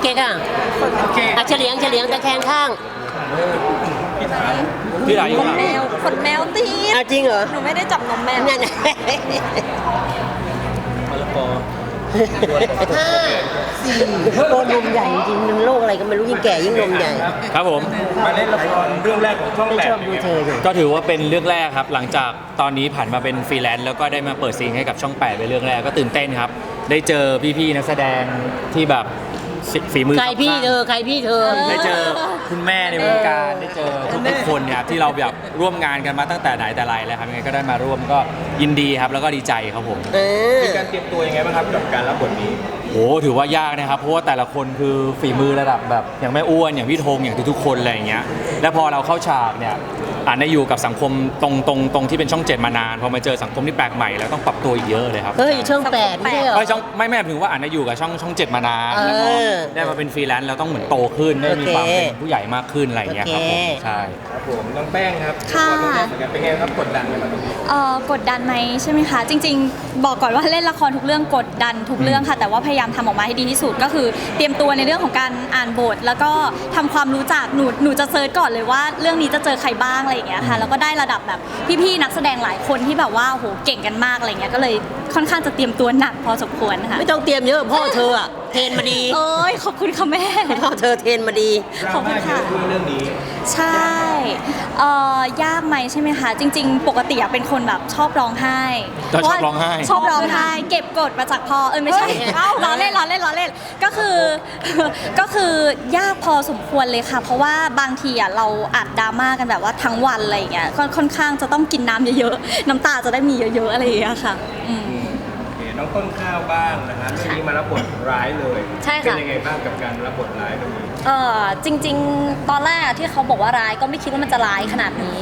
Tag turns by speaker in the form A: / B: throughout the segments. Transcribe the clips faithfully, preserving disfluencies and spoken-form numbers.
A: เก๊กอ่ะอ่ะเฉลียงเฉลียงตะแคงข้าง
B: พี่หลายอยู่
C: ขนแมวขนแมวตีด
A: อ่ะจริงเหรอ
C: หนูไม่ได้จับนมแมว
A: นั่น
B: มะละกอ
A: ห้าสี่ตัวนมใหญ่จริงๆโรคอะไรก็ไม่รู้ยิ่งแก่ยิ่งนมใหญ่
B: ครับผม
D: มาเล่นละครเรื่องแรกของช่อง
A: ไม่
D: แปด
A: ชอบดูเธออยู่
B: ก็ถือว่าเป็นเรื่องแรกครับหลังจากตอนนี้ผ่านมาเป็นฟรีแลนซ์แล้วก็ได้มาเปิดซีนให้กับช่องแปดเป็นเรื่องแรกก็ตื่นเต้นครับได้เจอพี่ๆนักแสดงที่แบบฝีมือ
A: ใครพี่เธอใครพี่เธอ
B: ได้เจอคุณแม่ในวงการได้เจอทุกๆคนเนี่ยครับที่เราแบบร่วมงานกันมาตั้งแต่ไหนแต่ไรแล้วครับยังไงก็ได้มาร่วมก็ยินดีครับแล้วก็ดีใจครับผม
A: เออ
D: มีการเตรียมตัวยังไงบ้างครับกับการรับบทนี้
B: โอ้ถือว่ายากนะครับเพราะว่าแต่ละคนคือฝีมือระดับแบบอย่างแม่อ้วนอย่างพี่ธงอย่างทุกๆคนอะไรอย่างเงี้ยแล้วพอเราเข้าฉากเนี่ยอ่านได้อยู่กับสังคมตรงตรงตรงที่เป็นช่องเจ็ดมานานพอมาเจอสังคมที่แปลกใหม่แล้วต้องปรับตัวอีกเยอะเลยครับ
A: เฮ้ยช่องแปดไม่ใช่เหรอ
B: ไม่ช่องไม่ไม่ถึงว่าอ่านได้อยู่กับช่องช่องเจ็ดมานาน
A: เออ
B: แล้วพอได้มาเป็นฟรีแลนซ์เราต้องเหมือนโตขึ้นได้มีความ
A: โอเค
B: เป็นผู้ใหญ่มากขึ้นอะไรอย่างเงี้ยครับผม
A: โอเค
B: ใช่
D: ครับผมน้องแป้งครับ
C: ค่ะ
D: ละครเรื่องแรกเหมือนกันเป็นไงครับกดดันไหมครับตรงนี้
C: เอ่อกดดันไหมใช่ไหมคะจริง ๆ บอกก่อนว่าเล่นละครทุกเรื่องกดดันทุกเรื่องค่ะแต่ว่าพยายามทำออกมาให้ดีที่สุดก็คือเตรียมตัวในเรื่องของการอ่านบท แล้วก็ทำความรู้จักหนูหนูจะเซิร์ชก่อนเลยว่าเรื่องนี้จะเจอใครบ้างอะไรอย่างเงี้ยค่ะแล้วก็ได้ระดับแบบพี่ๆนักแสดงหลายคนที่แบบว่าโหเก่งกันมากอะไรเงี้ยก็เลยค่อนข้างจะเตรียมตัวหนักพอสมควรค่ะ
A: ไม่ต้องเตรียมเยอะพ่อเธออะเทรนมาดี
C: เอ้ยขอบคุณค่ะแม่
A: พ่อเธอเทรนมาดี
D: ดรา
C: ขอบคุ
D: ม่า
C: ณ
D: เย
C: ค่ะ
D: อะด้วยเรื่องนี้
C: ใช่เอ่อยากไหมใช่ไหมคะ จริง ๆ ปกติอะเป็นคนแบบชอบร้องไห้
B: ก็ชอบร้องไห้
C: ชอบร้องไห้ เก็บกดมาจากพ่อเออไม่ใช่เอ้าล้อเล่นล้อเล่นล้อเล่นก็คือ ก็คือยากพอสมควรเลยค่ะ เพราะว่าบางทีอะเราอัดดราม่ากันแบบว่าทั้งวันอะไรอย่างเงี้ยค่อนค่อนข้างจะต้องกินน้ำเยอะๆน้ำตาจะได้มีเยอะๆอะไรอย่างเงี้ยค่ะอืม
D: โอเคน้องต้นข้าวบ้างนะฮะเรื่องนี้มารับบทร้ายเลย
C: ใช่ค่ะ
D: เป็นยังไงบ้างกับการรับบทร้ายตรงนี้
C: เออจริง ๆ ตอนแรกที่เขาบอกว่าร้ายก็ไม่คิดว่ามันจะร้ายขนาดนี้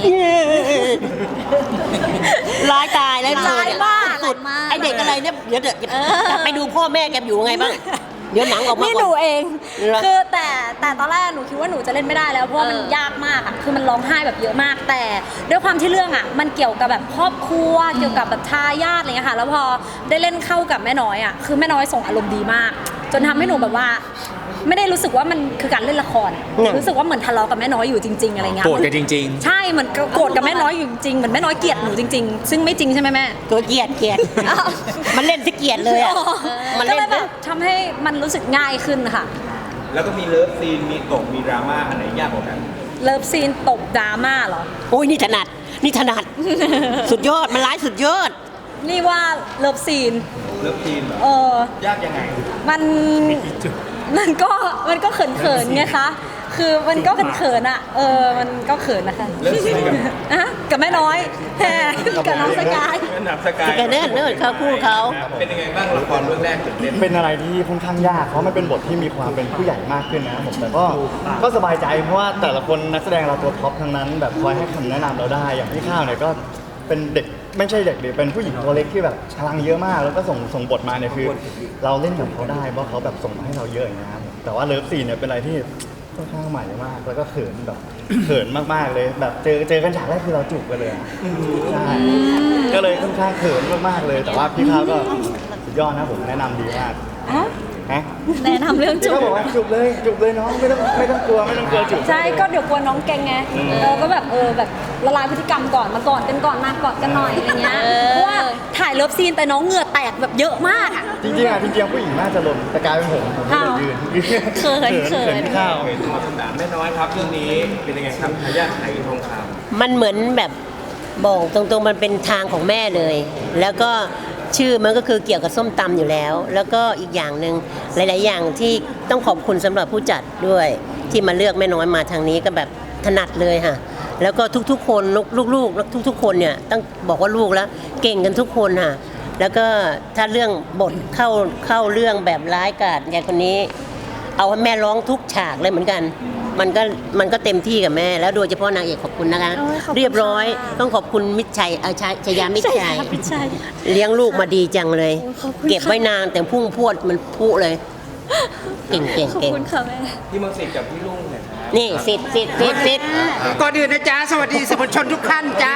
A: ร้ายตายแล้วเธอ
C: ร้ายมาก
A: สุด
C: ร้ายมาก
A: ไอเด็กอะไรเนี่ยเดี๋ยวเดี๋ยว
C: เออ
A: กลับไปดูพ่อแม่แกอยู่ไงบ้างเดี๋ยวหนังออกมา
C: นี่
A: ก่
C: หนู
A: อน
C: เอง
A: เหรอ
C: คือแต่แต่ตอนแรกหนูคิดว่าหนูจะเล่นไม่ได้แล้วเพราะว่ามัน
A: เออย
C: ากมากอ่ะคือมันร้องไห้แบบเยอะมาก แต่ด้วยความที่เรื่องอ่ะมันเกี่ยวกับแบบครอบครัวเกี่ยวกับแบบทายาทอะไรเงี้ยค่ะแล้วพอได้เล่นเข้ากับแม่น้อยอ่ะคือแม่น้อยส่งอารมณ์ดีมาก จนทำให้หนูแบบว่า ไม่ได้รู้สึกว่ามันคือการเล่นละคร รู้สึกว่าเหมือนทะเลาะกับแม่น้อยอยู่จริง ๆอะไรเงี้ย
B: โกรธกันจริง
C: ใช่เหมือนโกรธกับแม่น้อยอยู่จริงๆเหมือนแม่น้อยเกลียดหนูจริง ๆ ซึ่งไม่จริงใช่ไหมแม่
A: ตัวเกลียดเกลียด
C: อ้าว
A: มันเล่นที่เกลียดเลยอ่ะมัน
C: ก็
A: เล่น
C: เลยแบบทำให้มันรู้สึกง่ายขึ้นค่ะ
D: แล้วก็มีเลิฟซีนมีตกมีดราม่าอันไหนยากกว่ากัน
C: เลิฟซีนตบดราม่าเหรอ
A: โอ้ยนี่ถนัดนี่ถนัด สุดยอดมันร้ายสุดยอด
C: นี่ว่าเลิฟซีน
D: เลิฟซีนเหรอ
C: เออ
D: ยากยังไง
C: มัน มันก็ มันก็เขินเขินๆไงคะ คือมันก็เขินๆอ่ะ เออ มันก็เขินนะคะ
D: เลิฟซีนกับ
C: อะกับแม่น้อยแฮกับน้องสกาย
D: แม่หนับสกาย
A: สกายเนิร์ดเนิร์ดเขาคู่เขา
D: เป็นยังไงบ้างละครเรื่องแรกตื่นเต้น
E: เป็นอะไรที่ค่อนข้างยากเพราะมันเป็นบทที่มีความเป็นผู้ใหญ่มากขึ้นนะครับผมแต่ก็ก็สบายใจเพราะว่าแต่ละคนนักแสดงเราตัวท็อปทั้งนั้นแบบคอยให้คำแนะนำเราได้อย่างพี่ข้าวเนี่ยก็เป็นเด็กไม่ใช่เด็กดิเป็นผู้หญิงตัวเล็กที่แบบพลังเยอะมาก แล้วก็ส่งส่งบทมาเนี่ยคือ เราเล่นกับเขาได้เพราะเขาแบบส่งมาให้เราเยอะอย่างเงี้ยครับแต่ว่าเลิฟซีนเนี่ยเป็นอะไรที่ค่อนข้างใหม่มาก แล้วก็เขินแบบเขินมากๆเลยแบบเจอเจอกันฉากแรกคือเราจูบกันเลยอะใช่ก็เลยค่อนข้างเขินมากๆเลย แต่ว่าพี่ข้าวก็สุดยอดนะผมแนะนำดีมาก
C: อะ
E: ฮะ
C: แนะนำเรื่อง
E: พี่
C: จู
E: ก็
C: บ
E: บอกว่าจุบเลยจุบเลยน้องไม่ต้องไม่ต้องกลัวไม่ต้องกลัวจุบ
C: ใช่ ก็เดี๋ยวกลัวน้องเก่งไง เออ ก็แบบ เออ แบบละลายพฤติกรรมก่อน มาก่อนกันก่อน มากอดกันหน่อยอะไรเงี้ย เพราะว่าถ่ายเลิฟซีนแต่น้องเหงื่อแตกแบบเยอะมากอะ
E: จริงๆอ่ะจริงๆผู้หญิงน่าจะหล่นแต่กลายเป็นผมผมก็เลยยืน
C: เขินเขิน
E: เขินพี่ข้าว
D: เห็นมาสนามแม่น้อยครับเรื่องนี้เป็นยังไงครับทายาทไหทองคำ
A: มันเหมือนแบบบอกตรงๆมันเป็นทางของแม่เลย แล้วก็ชื่อมันก็คือเกี่ยวกับส้มตำอยู่แล้ว แล้วก็อีกอย่างหนึ่งหลาย ๆ อย่างที่ต้องขอบคุณสำหรับผู้จัดด้วย ที่มาเลือกแม่น้อยมาทางนี้ก็แบบถนัดเลยค่ะ แล้วก็ทุกๆ คนลูกๆทุกๆ คนเนี่ยต้องบอกว่าลูกแล้วเก่งกันทุกคนค่ะ แล้วก็ถ้าเรื่องบทเข้าเข้าเรื่องแบบร้ายกาจอย่างคนนี้ เอาให้แม่ร้องทุกฉากเลยเหมือนกัน มันก็มันก็เต็มที่กับแม่ แล้วโดยเฉพาะนางเอกขอบคุณนะคะ
C: โอ้ยขอบคุณ
A: เรียบร้อย
C: ค่ะ
A: ต้องขอบคุณมิตรชัยเออชยชยามิตรชัย
C: พิชัย
A: เลี้ยงลูกมาดีจังเลย
C: โอ้ยขอบคุณค่ะ
A: เก็บไว้นานแต่พุ่งพรวดมันพุเลย เก่งเก่ง
C: ขอบ
A: เก่ง
C: คุณค่ะแม่
D: พี่มนต์สิทธิ์กับพี่ลุงเนี่ยครับ
A: นี่สิทธิ์สิทธิ์สิทธิ์สิทธิ์
F: ก่อนอื่นนะจ๊ะสวัสดีสื่อมวลชนทุกท่านจ้าน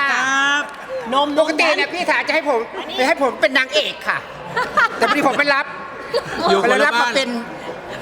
A: ม
F: ปกติเนี่ยพี่ถาจะให้ผมให้ผมเป็นนางเอกค่ะ แต่พอดีผมไปรับ
B: อยู่
F: ไป
B: คนละ
F: รับ
B: บ้าม
F: าน เป็น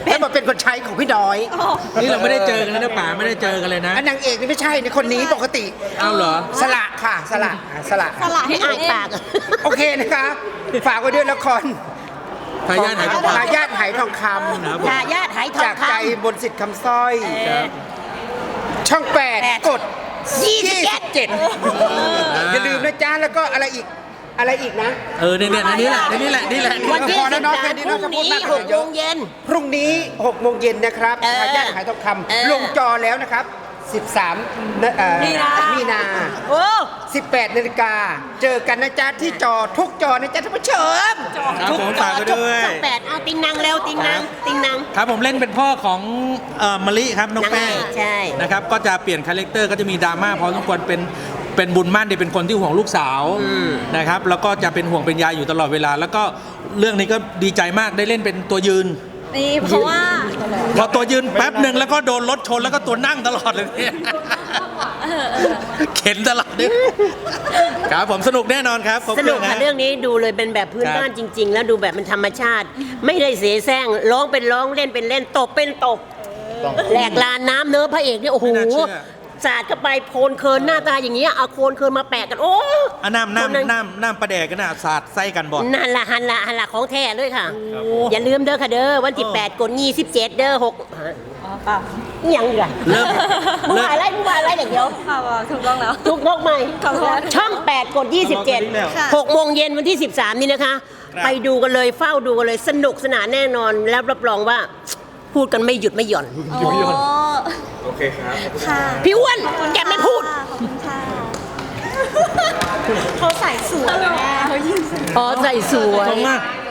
F: ให้มาเป็นคนใช้ของพี่น้อย
G: นี่เราไม่ได้เจอกันเลยนะป๋าไม่ได้เจอกันเลยนะ
F: อันนางเอกนี่ไม่ใช่นะคนนี้ปกติ
G: เอาเหรอ
F: สละค่ะสละอ่ะสละ
C: สละให้
A: ให้
C: อ่า
A: อ่าน น
C: เอง
A: ปาก
F: โอเคนะคะฝากไว้ด้วยละคร
G: ทายาทไหนก็
F: ทายาทไหทองค
A: ทายาทไหท
F: ำ
A: อง
F: จาก
A: ค
F: ใจบนสิทธิ์คำสร้อย ช่องแปด
A: แปด
F: กด
A: ำยี่สิบเจ็ด
F: อย่าลืมนะจ๊ะแล้วก็อะไรอีกอะไรอีกนะ
G: เออเนี่ยเนี่ยนี่แหละนี่แหละนี่แหละ
A: วันที่
F: พอแล้
A: สิ
F: ว
A: บ
F: เนาะ
A: สา
F: แค่
A: ม
F: นี้
A: พ
F: เนาะ
A: รุ่ง
F: จะพูด
A: นี้
F: มาก
A: ห
F: กว่าก เย
A: โม
F: อะ
A: งเย็น
F: พรุ่งนี้หกโมงเย็นนะครับ
A: เออ
F: ทายาทไหทองค
A: เออ
F: ำลงจอแล้วนะครับสิบสามนะเอ่อ
A: มีนา
F: มีนา
A: โอ้
F: สิบแปดนาฬิกาเจอกันนะจ๊ะที่จอทุกจอนะจ๊ะท่านผู้ชม
G: ครับผมฝากไปด้วย
A: ช่องแปดเอาติงนางเร็วติงนางติงนาง
G: ครับผมเล่นเป็นพ่อของเอ่อมะลิครับน้องแป้ง
A: นางเอกใช่
G: นะครับก็จะเปลี่ยนคาแรคเตอร์ก็จะมีดราม่าพอสมควรเป็นเป็นบุญมั่นที่เป็นคนที่ห่วงลูกสาวนะครับแล้วก็จะเป็นห่วงเป็นใยอยู่ตลอดเวลา แล้วก็เรื่องนี้ก็ดีใจมากได้เล่นเป็นตัวยืน
C: นี่เพราะว่า
G: พอตัวยืนแป๊บหนึ่งแล้วก็โดนรถชนแล้วก็ตัวนั่งตลอดเลยเนี่ยเข็นตลอดเนี่ยครับผมสนุกแน่นอนครับครบ
A: สนุก
G: เรื่อง
A: ค่ะ
G: นะ
A: เรื่องนี้ดูเลยเป็นแบบพื้น
G: ครับ
A: บ้านจริง ๆ แล้วดูแบบมันธรรมชาติ ไม่ได้เสแสร้งร้องเป็นร้องเล่นเป็นเล่นตกเป็นตก
E: ต้อง
A: แหลกลานน้ำเนื้อะพระเอกเนี่ยโอ้โห
G: ไม่น่าเชื่อ
A: สาดเข้าไปโคลนเคินหน้าตาอย่างเงี้ยเอาโคลนเคินมาแปะกันโอ้
G: อ่ะน้ำน้ำน้ำน้ำประแดกกันนะสาดไส้กันบ่
A: นั่นละหันละหันละของแท้เลยค่ะ อย่าลืมเด้อค่ะเด้อวันที่แปดกดยี่สิบเจ็ดเด้อหกฮะอิหยังอีกอะ
G: เริ่ม
A: มึง
G: เริ่ม
A: ว่าอะไรมึงว่าอะไรเดี๋ยวเดี๋ยว
C: ค่ะถูกต้องแล้ว
A: ทุกนกใหม่
C: ขอบคุณ
A: ช่องแปดกดยี่สิบเจ็ด
C: ค่ะ
A: หกโมงเย็นวันที่สิบสามนี่นะคะ ไปดูกันเลยเฝ้าดูกันเลยสนุกสนานแน่นอนแล้วรับรองว่า พูดกันไม่หยุดไม่หย่อน
C: โอ้
D: โอเคครับ
C: ค่ะ
A: พี่อ้วนแกไม่พูด
C: ขอบคุณค่ะเขาใส่สวยแม่เขายืน
A: อ๋อใส่สวย
G: ตรงมาก